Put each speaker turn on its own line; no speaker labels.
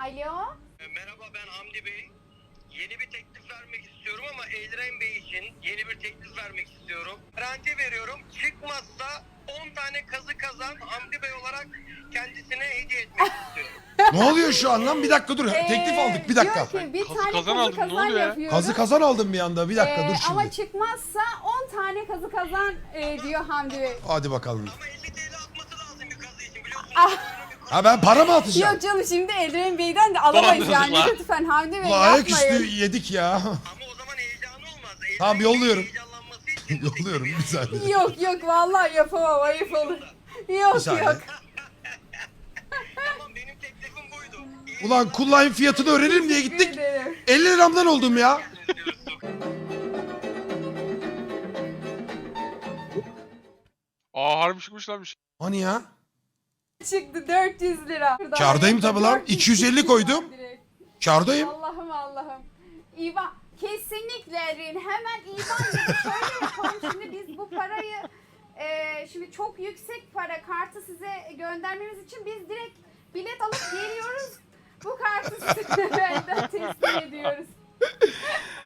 Alo.
Merhaba, ben Hamdi Bey. Yeni bir teklif vermek istiyorum ama Elren Bey için yeni bir teklif vermek istiyorum. Garanti veriyorum. Çıkmazsa 10 tane kazı kazan Hamdi Bey olarak kendisine hediye etmek istiyorum.
Ne oluyor şu an lan? Bir dakika dur. Teklif aldık. Bir dakika.
Diyor ki bir
Kazı
tane
kazan
kazı
aldım, ne
kazan
oluyor ya?
yapıyoruz.
Kazı kazan aldım bir anda. Bir dakika dur
Ama
şimdi.
çıkmazsa 10 tane kazı kazan diyor Hamdi Bey.
Hadi bakalım.
Ama 50 TL atması lazım bir kazı için biliyorsunuz.
Ah.
Ha ben para mı atacağım?
Yok canım şimdi Eldiren Bey'den de alamayız yani.
Dolandırıcılar.
Lütfen Hamdi Bey
Ulan ayaküstü
yapmayın.
yedik ya.
Ama o zaman heyecanı olmaz. Elren
Tamam,
Bey'in
yolluyorum.
heyecanlanması için bu
Yolluyorum
teklifi
bir saniye.
Yok vallahi yapamam, ayıp olur.
Bir
Yok
saniye.
yok.
Tamam, benim teklifim buydu. İyi
Ulan kullayın fiyatını öğrenelim diye
Teşekkür
gittik.
ederim.
50 liramdan oldum ya.
diyoruz.
Aa harbi çıkmış lan bir şey.
Hani ya?
Çıktı 400 lira. Şuradan
Kârdayım tabii lan.
400
250 koydum.
direkt.
Kârdayım.
Allah'ım. İvan kesinlikle Erin hemen İvan gibi şöyle yapalım. Şimdi biz bu parayı şimdi çok yüksek para kartı size göndermemiz için biz direkt bilet alıp geliyoruz. Bu kartı size elden teslim ediyoruz.